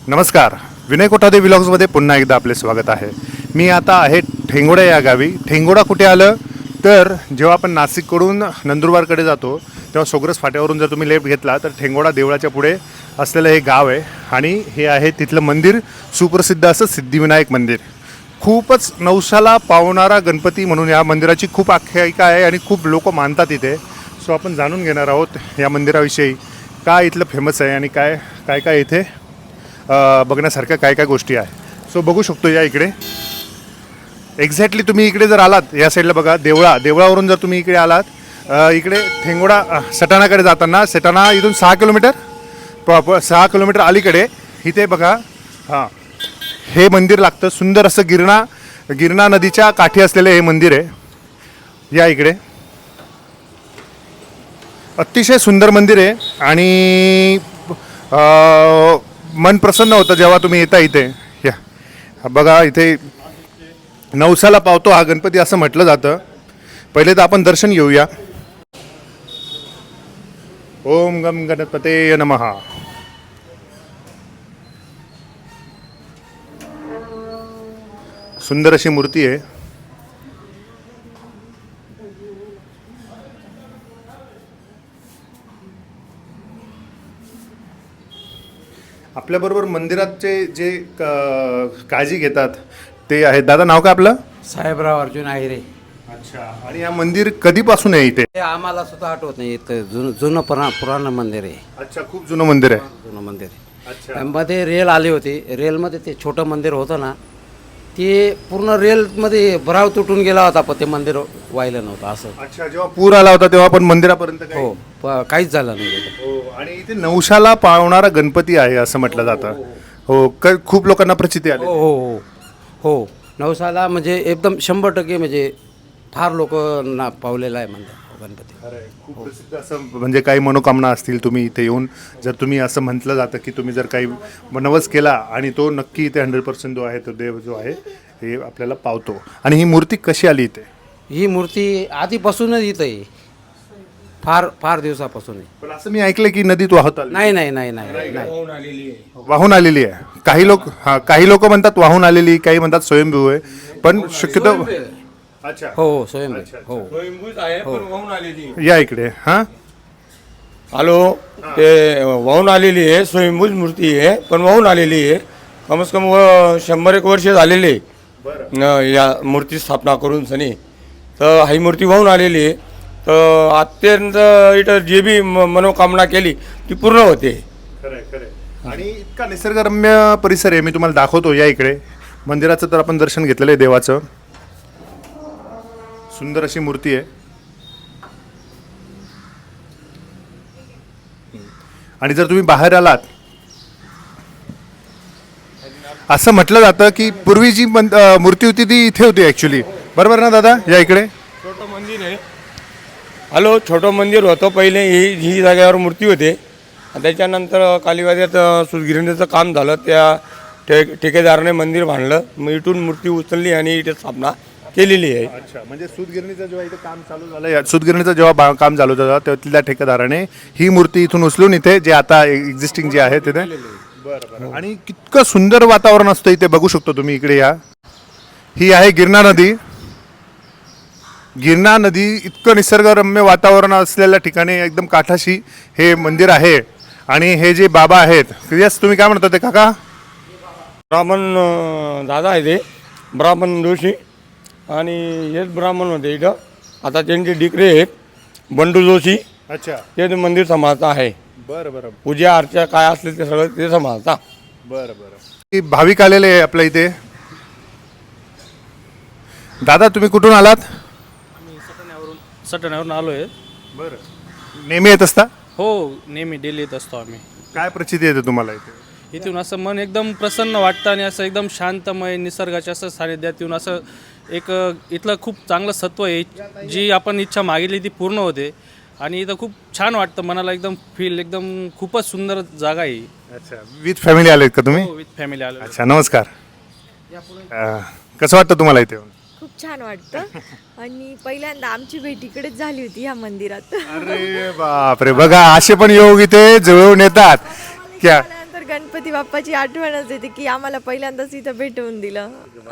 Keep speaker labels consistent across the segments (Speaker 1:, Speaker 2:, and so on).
Speaker 1: नमस्कार, विनय कोठादे व्लॉग्समध्ये पुन्हा एकदा आपले स्वागत आहे. मी आता आहे ठेंगोडा या गावी. ठेंगोडा कुठे आलं तर जेव्हा आपण नाशिककडून नंदुरबारकडे जातो तेव्हा सोग्रस फाट्यावरून जर तुम्ही लेफ्ट घेतला तर ठेंगोडा देवळाच्या पुढे असलेलं हे गाव आहे आणि हे आहे तिथलं मंदिर, सुप्रसिद्ध असं सिद्धिविनायक मंदिर. खूपच नवसाला पावणारा गणपती म्हणून या मंदिराची खूप आख्यायिका आहे आणि खूप लोक मानतात इथे. सो आपण जाणून घेणार आहोत या मंदिराविषयी, काय इथलं फेमस आहे आणि काय काय काय इथे बघण्यासारख्या काय काय गोष्टी आहे. सो बघू शकतो या इकडे एक्झॅक्टली तुम्ही इकडे जर आलात या साईडला बघा, देवळावरून जर तुम्ही इकडे आलात इकडे ठेंगोडा सटाणाकडे जाताना, सटाणा इथून 6 किलोमीटर 6 किलोमीटर अलीकडे इथे बघा, हां हे मंदिर लागतं. सुंदर असं गिरणा नदीच्या काठी असलेलं हे मंदिर आहे. या इकडे अतिशय सुंदर मंदिर आहे आणि मन प्रसन्न होतं जेव्हा तुम्ही येता इथे. या बघा, इथे नवसाला पावतो हा गणपती असं म्हटलं जातं. पहिले तर आपण दर्शन घेऊया. ओम गम गणपते नमः. सुंदर अशी मूर्ती आहे. आपल्याबरोबर मंदिराचे जे काळजी घेतात ते आहेत. दादा, नाव काय आपलं?
Speaker 2: साहेबराव अर्जुन आहिरे.
Speaker 1: अच्छा. आणि हा मंदिर कधीपासून आहे इथे?
Speaker 2: हे आम्हाला सुद्धा आठवत नाही. इथं जुनं पुराण मंदिर आहे.
Speaker 1: अच्छा, खूप जुनं मंदिर आहे.
Speaker 2: जुनं मंदिर आहे.
Speaker 1: अच्छा.
Speaker 2: मध्ये रेल आली होती. रेलमध्ये ते छोटं मंदिर होतं ना, ते पूर्ण रेलमध्ये भराव तुटून गेला होता, पण ते मंदिर व्हायला नव्हतं असं.
Speaker 1: अच्छा, जेव्हा पूर आला होता तेव्हा पण मंदिरापर्यंत काही?
Speaker 2: हो, काहीच झालं नाही तिथं.
Speaker 1: हो. आणि इथे नवसाला पावणारा गणपती आहे असं म्हटलं जातं. हो, खूप लोकांना प्रचिती आली.
Speaker 2: हो हो हो हो. नवसाला म्हणजे एकदम 100% म्हणजे फार लोक ना पावलेला आहे मंदिर गणपती.
Speaker 1: खूप प्रसिद्ध असं, म्हणजे काही मनोकामना असतील तुम्ही इथे येऊन, जर तुम्ही असं म्हटलं जातं की तुम्ही जर काही नवस केला आणि तो नक्की इथे 100% जो आहे तो देव जो आहे हे आपल्याला पावतो. आणि ही मूर्ती कशी आली इथे?
Speaker 2: ही मूर्ती आधीपासूनच इथं आहे, फार फार दिवसापासून आहे.
Speaker 1: पण असं मी ऐकलं की नदीत वाहत आली.
Speaker 2: नाही नाही नाही नाही नाही.
Speaker 1: वाहून आलेली आहे. काही लोक म्हणतात वाहून आलेली, काही म्हणतात स्वयंभू आहे, पण शक्यतो. अच्छा.
Speaker 2: हो स्वयंभू. हो
Speaker 1: या इकडे. हां
Speaker 3: हॅलो, ते वाहून आलेली आहे, स्वयंभूज मूर्ती आहे, पण वाहून आलेली आहे. कम से कम 100-1 वर्ष झालेले या मूर्ती स्थापना करून सनी. तर ही मूर्ती वाहून आलेली आहे. तर अत्यंत इथं जे बी मनोकामना केली ती पूर्ण होते.
Speaker 1: खरं. आणि इतका निसर्गरम्य परिसर आहे, मी तुम्हाला दाखवतो. या इकडे मंदिराचं तर आपण दर्शन घेतलेलं आहे देवाचं. सुंदर अशी मूर्ती आहे. आणि जर तुम्ही बाहेर आलात, असं म्हटलं जातं की पूर्वी जी मूर्ती होती ती इथे होती ॲक्च्युली. बरोबर ना दादा? या इकडे
Speaker 3: छोटं मंदिर आहे. हॅलो, छोटं मंदिर होतं पहिले. ही जागेवर मूर्ती होते. त्याच्यानंतर कालिवाद्यात सुतगिरणीचं काम झालं. त्या ठेकेदाराने मंदिर बांधलं. मग इथून मूर्ती उचलली आणि इथे स्थापना केलेली आहे.
Speaker 1: अच्छा. म्हणजे सूतगिरणीचं जेव्हा इथे काम चालू झालं, सूतगिरणीचं जेव्हा काम चालू झालं तेव्हा तिथल्या ठेकेदाराने ही मूर्ती इथून उचलून इथे जे आता एक्झिस्टिंग जे आहे तिथे. बरं. आणि कितकं सुंदर वातावरण असतं इथे, बघू शकतो तुम्ही. इकडे या. ही आहे गिरणा नदी. गिरणा नदी, इतकं निसर्गरम्य वातावरण असलेल्या ठिकाणी एकदम काठाशी हे मंदिर आहे. आणि हे जे बाबा आहेत, यस तुम्ही काय म्हणता ते काका?
Speaker 3: ब्राह्मण दादा आहे, ते ब्राह्मण जोशी. आणि हेच ब्राह्मण होते इथं. आता त्यांचे डिकरे आहेत बंडू जोशी.
Speaker 1: अच्छा.
Speaker 3: ते मंदिर सांभाळता आहे.
Speaker 1: बरं.
Speaker 3: पूजा अर्चा काय असले ते सगळं ते सांभाळता.
Speaker 1: बरं. भाविक आलेले आहे आपल्या इथे. दादा, तुम्ही कुठून आलात?
Speaker 4: सटाण्यावरून आलो आहे.
Speaker 1: बरं. नेहमी येत असता?
Speaker 4: हो, नेहमी डेली येत असतो आम्ही.
Speaker 1: काय प्रचिती येते तुम्हाला इथे?
Speaker 4: इथून असं मन एकदम प्रसन्न वाटतं आणि असं एकदम शांतमय निसर्गाच्या असं सानिध्यात येऊन असं एक इथलं खूप चांगलं सत्व आहे. जी आपण इच्छा मागितली ती पूर्ण होते आणि इथं खूप छान वाटतं मनाला. एकदम फील, एकदम खूपच सुंदर जागा आहे.
Speaker 1: अच्छा. विथ फॅमिली आलेत का तुम्ही?
Speaker 4: हो, विथ फॅमिली आलो.
Speaker 1: अच्छा, नमस्कार. कसं वाटतं तुम्हाला इथे येऊन?
Speaker 5: खूप छान वाटतं. आणि पहिल्यांदा आमची भेट इकडेच झाली होती ह्या मंदिरात.
Speaker 1: अरे बापरे, बघा असे पण योग इथे जुळवून येतात. क्या
Speaker 5: गणपती बाप्पाची आठवणच येते की आम्हाला पहिल्यांदाच इथं भेटवून दिलं.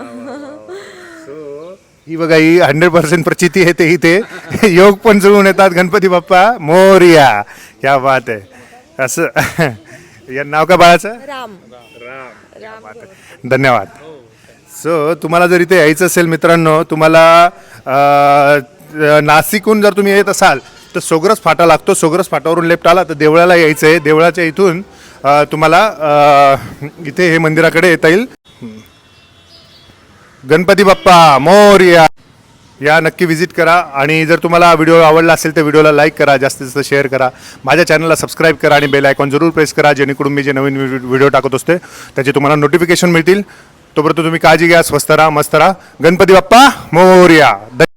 Speaker 1: ही बघा ही 100% प्रचिती आहे ते इथे योग पण जुळून येतात. गणपती बाप्पा मोरया. क्या बात आहे. असं या नाव का बाळाचं?
Speaker 5: राम.
Speaker 1: धन्यवाद. सो तुम्हाला जर इथे यायचं असेल मित्रांनो, तुम्हाला नाशिकहून जर तुम्ही येत असाल तर सोग्रस फाटा लागतो. सोग्रस फाटावरून लेफ्ट आला तर देवळाला यायचं आहे. देवळाच्या इथून तुम्हाला इथे हे मंदिराकडे येता येईल. गणपती बाप्पा मोरया. या नक्की विजिट करा. आणि जर तुम्हाला व्हिडिओ आवडला असेल तर व्हिडिओला लाईक करा, जास्तीत जास्त शेअर करा, माझ्या चॅनलला सबस्क्राईब करा आणि बेल आयकॉन जरूर प्रेस करा, जेणेकरून मी जे नवीन व्हिडिओ टाकत असते त्याचे तुम्हाला नोटिफिकेशन मिळतील. तोपर्यंत तुम्ही काळजी घ्या, स्वस्त राहा, मस्त राहा. गणपती बाप्पा मोरया.